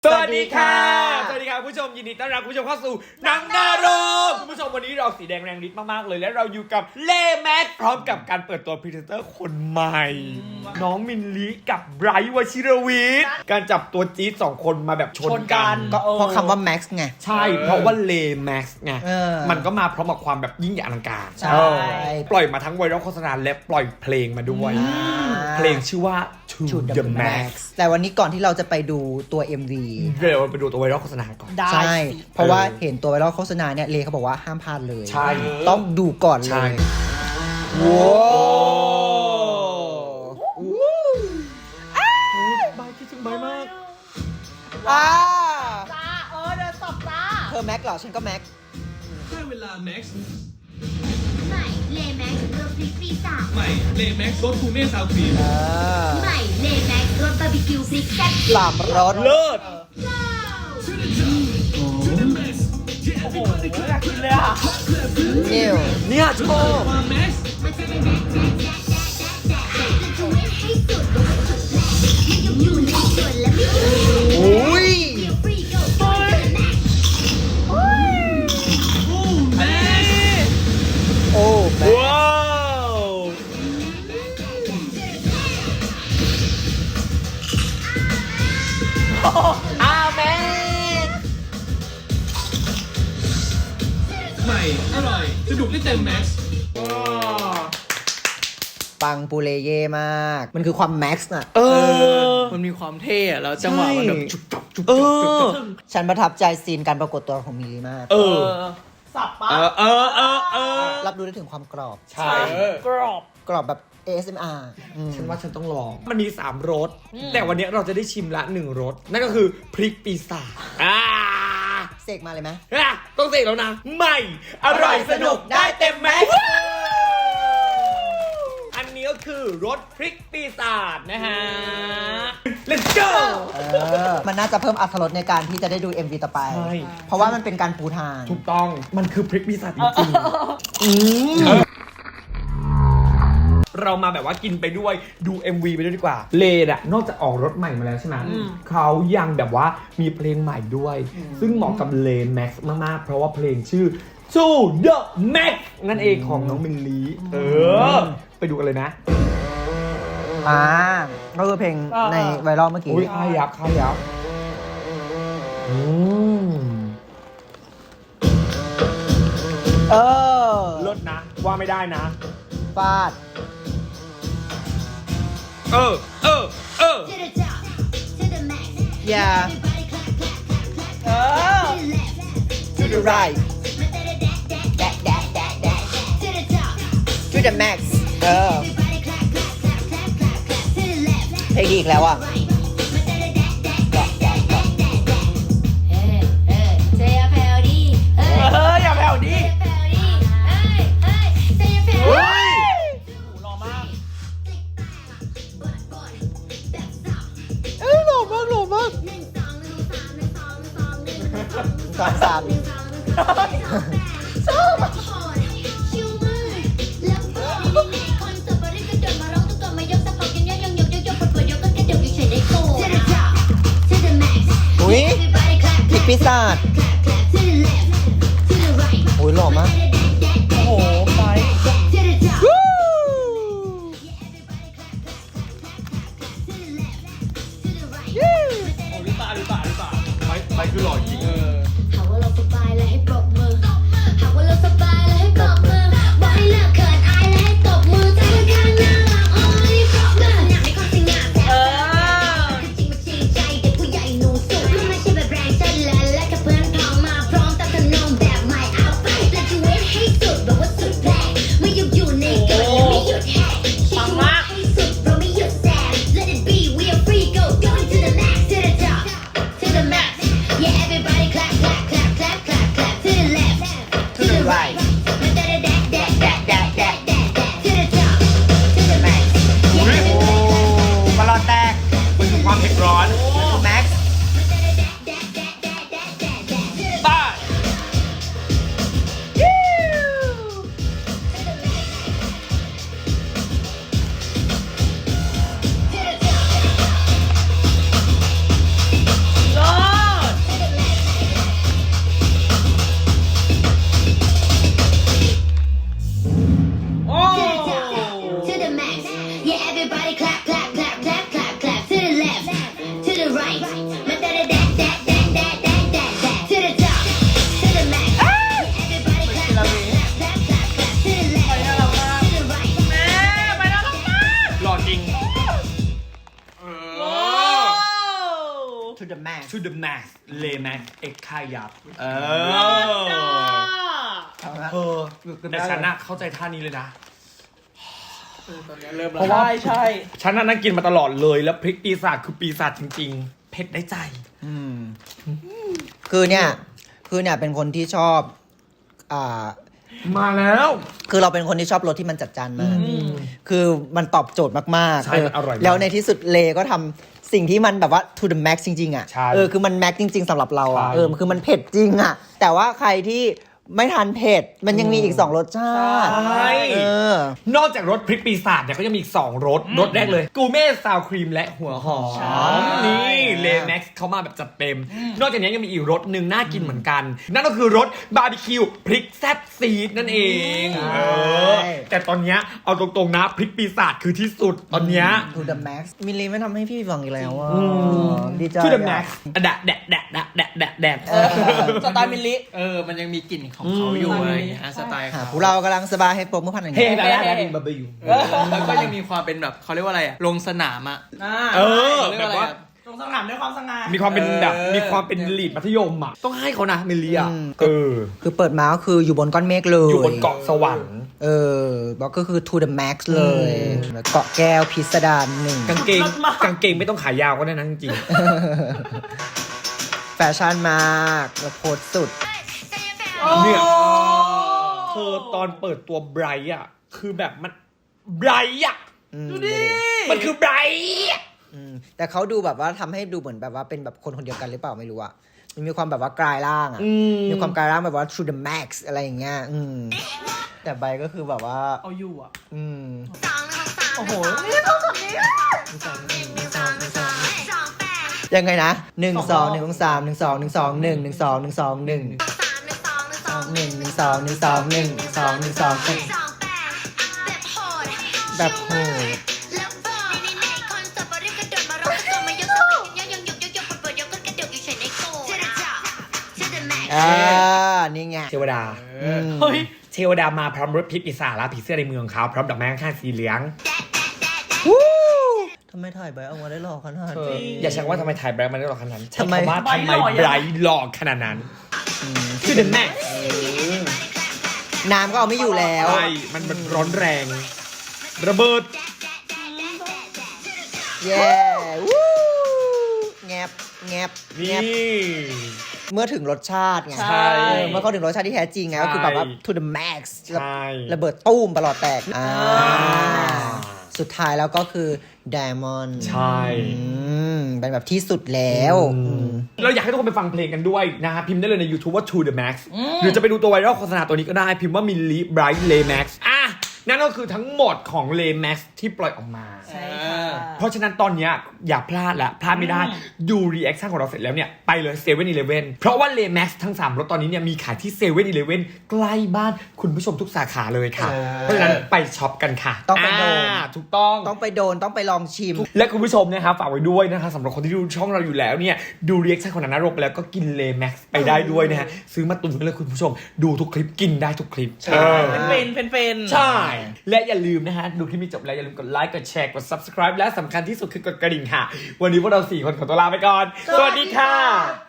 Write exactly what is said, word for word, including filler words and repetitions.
สวัสดีค่ะสวัสดีค่ะผู้ชมยินดีต้อนรับผู้ชมเข้าสู่หนังนาโรคุณผู้ชมวันนี้เราสีแดงแรงฤทธิ์มากๆเลยและเราอยู่กับเล่แม็กพร้อมกับการเปิดตัวพรีเซนเตอร์คนใหม่น้องมินลิกับไบรท์วชิรวิทย์การจับตัวจี๊ดสองคนมาแบบชนกันก็เพราะคำว่าแม็กซ์ไงใช่เพราะว่าเลแม็กซ์ไงเออมันก็มาพร้อมกับความแบบยิ่งใหญ่อลังการใช่ปล่อยมาทั้งไวรัลโฆษณาและปล่อยเพลงมาด้วยเพลงชื่อว่า To the Max แต่วันนี้ก่อนที่เราจะไปดูตัว เอ็ม วีเดี๋ยวไปดูตัวไวรัลโฆษณาก่อนใช่ เพราะว่าเห็นตัวไวรัลโฆษณาเนี่ยเลเขาบอกว่าห้ามพลาดเลยใช่ต้องดูก่อนเลใช่ยว้าวบายคิดถึงบายมากอ่าจ้าเออเดินตบจ้าเธอแม็กเหรอฉันก็แม็กได้เวลาแม็กซ์ใหม่เลแม็กซ์รสพริกปีศาจใหม่เลแม็กซ์รสทูเม่ซาวครีมเออใหม่เลแม็กซ์รสบาร์บีคิวพริกแซ่บสามรสเลิศโอ้โหอยากกินเลยอ่ะนิวเนี่ยชอบความแม็กซ์มันจะได้แดกแดกแดกแดกแดกแดกจะช่วยให้สุดสุดแรงไม่ยุ่งอยู่ในส่วนและไม่ยุ่งโอ้ยเดียวฟรีโก้โก้แม็กซ์โอ้แม็กซ์โอ้แม็กว้าวอาแม่ใหม่อร่อยสนุกได้เต็มแม็กซ์ปังปูเลเย่มาก มันคือความแม็กซ์น่ะเออมันมีความเท่อะแล้วจังหวะมันแบบจุกจับจุกเอจับจุกอจับฉันประทับใจซีนการปรากฏตัวของมิลลีมากเอเอออสับปะเออ เออ เออ เออรับรู้ได้ถึงความกรอบใช่กรอบกรอบแบบ เอ เอส เอ็ม อาร์ อืมฉันว่าฉันต้องลอง มันมีสามรส แต่วันนี้เราจะได้ชิมละหนึ่งรส นั่นก็คือพริกปีศาจอ่าเสกมาเลยไหมอ่ะต้องเสกแล้วนะ ใหม่ อร่อยสนุกได้เต็มแม็กซ์อันนี้ก็คือรสพริกปีศาจนะฮะ let's go เออ มันน่าจะเพิ่มอรรถรสในการที่จะได้ดู เอ็ม วี ต่อไปใช่เพราะว่ามันเป็นการปูทางถูกต้อง มันคือพริกปีศาจจริงๆอืมเรามาแบบว่ากินไปด้วยดู เอ็ม วี ไปด้วยดีกว่า เลดอะนอกจากออกรถใหม่มาแล้วใช่ไหมเขายังแบบว่ามีเพลงใหม่ด้วย ซึ่งเหมาะกับเลแม็กซ์มากๆ เพราะว่าเพลงชื่อ To the Max นั่นเองของน้องมิลลีเออ ไปดูกันเลยนะอ่า ก็คือเพลงในไวรัลเมื่อกี้อุ้ยค่ายับค่ายับอืมเออเลิศนะ ว่าไม่ได้นะฟาดเออ เออ เออ to the top to the max อย่า everybody clap clap clap clap เออ to the left to the right มันจะได้แดกแดกแดกแดกแดกแดก to the top to the max เออ everybody clap clap clap clap clap clap to the left เพลงดีอีกแล้วอ่ะ right มันจะได้แดกแดกแดกแดกแดกแดกแดกเฮ้เฮ้เซฟเฟลดีเฮ้เอออย่าแผ่วดิเซฟเฟลดีเฮ้เฮ้เซฟเฟลเฮ้ดียรอมากเอ้ยหล่อมากหล่อมากหนึ่งสองหนึ่งสามหนึ่งสองหนึ่งสองหนึ่งสองสามสามหนึ่งสองหนึ่งสองหนึ่งสองชอบชิวมือแล้วก็ในในคอนเสิร์ตบริกระโดดมาร้องตุ๊กตามายกสะโพกกันยกยกยกยกยกปวดปวดยกก็กระโดดอยู่เฉยได้โก To the top to the max อุ้ย Everybody clap พริก clap ปีศาจ clap clap to the left to the right อุ้ยหล่อมากโอ้โหไป To the top วู้ Yeah, everybody clap clap clap clap to the left to the right หรือเปล่าหรือเปล่าหรือเปล่าไปไปคือหล่อจริงหากว่าเราสบายแล้วให้ปรบมือหากว่าเราสบายแล้วให้ปรบมือบอกให้เลิกเขินอายแล้วให้ตบมือใจข้างหน้าหลังอ้อยปรบมือหนักในความสง่าแซ่บจริงมาจริงใจเด็กผู้ใหญ่หนูสุดไม่ใช่แบบแรงฉันและและกับเพื่อนพ้องมาพร้อมตามขนมแบบใหม่เอาไปและจะเว้นให้สุดแบบว่าสุดแรงไม่หยุดอยู่ในกฎและไม่หยุดแหกคิดว่าให้สุดเราไม่หยุดแซม Let it be we are free go going to the max to the top to the max yeah everybody clap to the max เลแม็กเอ็กค่ายับเออเออแต่ฉันน่ะเข้าใจท่านี้เลยนะตอนนี้เริ่มเพราะว่าใช่ฉันน่ะนั่งกินมาตลอดเลยแล้วพริกปีศาจคือปีศาจจริงๆ เผ็ดได้ใจอืมคือเนี่ย คือเนี่ยเป็นคนที่ชอบอ่ามาแล้วคือเราเป็นคนที่ชอบรสที่มันจัดจ้านมาก คือมันตอบโจทย์มากๆใช่มันอร่อยมากแล้วในที่สุดเลก็ทำสิ่งที่มันแบบว่า to the max จริงๆอ่ะใช่เออ คือมัน max จริง ๆสำหรับเราอ่ะใช่เออ คือมันเผ็ดจริงอ่ะ แต่ว่าใครที่ไม่ทานเผ็ด มันยังมีอีกสองรสชาติใช่เออนอกจากรสพริกปีศาจเนี่ยก็ยังมีอีกสองรสรสแรกเลยกูเม่ซาวครีมและหัวหอมนี่เลแม็กซ์เขามาแบบจัดเต็ม นอกจากนี้ยังมีอีกรสหนึ่งน่ากินเหมือนกัน นั่นก็คือรสบาร์บีคิวพริกแซ่บซีดนั่นเองใช่เออแต่ตอนเนี้ยเอาตรงๆนะพริกปีศาจคือที่สุดตอนเนี้ย to the max มิลลีไม่ทำให้พี่ฟังอีกแล้วอ่ะดีใจทูเดอะอะแม็กซ์แดะแดะแดะแดะแดะแดะแดะเออสไตล์มิลลิเออมันยังมีกลิ่นของเขาอยู่อะไรอย่างเงี้ยสไตล์หาเขาผู้เรากำลังสบายให้โปรเมื่อพันหนึ่งเฮ้ยแต่ละแต่ละบาร์บีคิวแล้วก็ยังมีความเป็นแบบเขาเรียกว่าอะไรอะลงสนามอะอ่าเออเขาเรียกแบว่าบอะไรว่าอะตรงสนามด้วยความสง่ามีความเป็นแบบเออมีความเป็นลีดมัธยมอ่ะต้องให้เขานะเมลีอ่ะอืมเออคือเปิดมาก็คืออยู่บนก้อนเมฆเลยอยู่บนเกาะสวรรค์เออบอกก็คือ to the max เลยแล้วเกาะแก้วพิสดารหนึ่งกางเกงกางเกงไม่ต้องขายาวก็ได้นะจริงแฟชั่นมากแล้วโพสต์สุดๆเนี่ยเธอตอนเปิดตัวไบรท์อ่ะคือแบบมันไบรท์อ่ะดูดิมันคือไบรท์อะแต่เขาดูแบบว่าทำให้ดูเหมือนแบบว่าเป็นแบบคนคนเดียวกันหรือเปล่าไม่รู้อะมันมีความแบบว่ากลายร่างอะอืมมีความกลายร่างแบบว่า to the max อะไรอย่างเงี้ยอืมแต่ใบก็คือแบบว่าเอาอยู่อ่ะอืมโอ้โหยังไงนะหนึ่งสองหนึ่งสามหนึ่งสองหนึ่งสองหนึ่งหนึ่งสองหนึ่งสองหนึ่งหนึ่งหนึ่งสองหนึ่งสองหนึ่งสองหนึ่งสองหนึ่งแบบโหดอ่านี่ไงเทวดาอืมเฮ้ยเทวดามาพร้อมรถพิษปีศาจและผีเสื้อในเมืองเขาพร้อมดอกไม้ข้างๆสีเหลืองวู้ทำไมถ่ายใบเอามาได้หล่อขนาดเออนี้อย่าใช้ว่าทำไมถ่ายไบรท์มันได้หล่อขนาดนั้นทำไมใช้คำว่าทำไมไบรท์หล่อขนาดนั้นคือเดอะแม็กน้ำก็เอาไม่อยู่แล้วใช่มันมันร้อนแรง ระเบิดเย้วู้แงบแงบแงนี่บเมื่อถึงรสชาติไงใช่เออเมื่อเขาถึงรสชาติที่แท้จริงไงใช่ก็คือแบบว่า to the max ใช่ระเบิดตุ้มประหลอดแตกอ่าอ่าสุดท้ายแล้วก็คือ diamond ใช่อืมเป็นแบบที่สุดแล้วเราอยากให้ทุกคนไปฟังเพลงกันด้วยนะฮะพิมพ์ได้เลยใน YouTube ว่า To the Max หรือจะไปดูตัวไวรัลโฆษณาตัวนี้ก็ได้ พิมพ์ว่า Milli Bright Lay Max อ่ะ นั่นก็คือทั้งหมดของ Lay Max ที่ปล่อยออกมาใช่ค่ะเพราะฉะนั้นตอนเนี้ยอย่าพลาดละพลาดไม่ได้ ดูรีแอคชั่นของเราเสร็จแล้วเนี่ย ไปเลยเซเว่นอีเลฟเว่นเพราะว่า Lay Max ทั้งสามรสตอนนี้เนี่ยมีขายที่เซเว่นอีเลฟเว่นใกล้บ้านคุณผู้ชมทุกสาขาเลยค่ะ เพราะฉะนั้นไปช็อปกันค่ะต้องไปโดนาถูกต้องต้องไปโดนต้องไปลองชิมและคุณผู้ชมนะครับฝากไว้ด้วยนะคะสำหรับคนที่ดูช่องเราอยู่แล้วเนี่ยดูรีแอคชั่นของนันนรกไปแล้วก็กินเลแม็กซ์ไปได้ด้วยนะฮะซื้อมาตุนไว้เลยคุณผู้ชมดูทุกคลิปกินได้ทุกคลิปเป็นเป็นเป็นเป็นใช่ และอย่าลืมนะฮะดูคลิปนี้จบแล้วอย่าลืมกดไลค์กดแชร์กด ซับสไครบ์ และสำคัญที่สุดคือกดกระดิ่งค่ะ วันนี้พวกเราสี่คนขอตัวลาไปก่อน สวัสดีค่ะ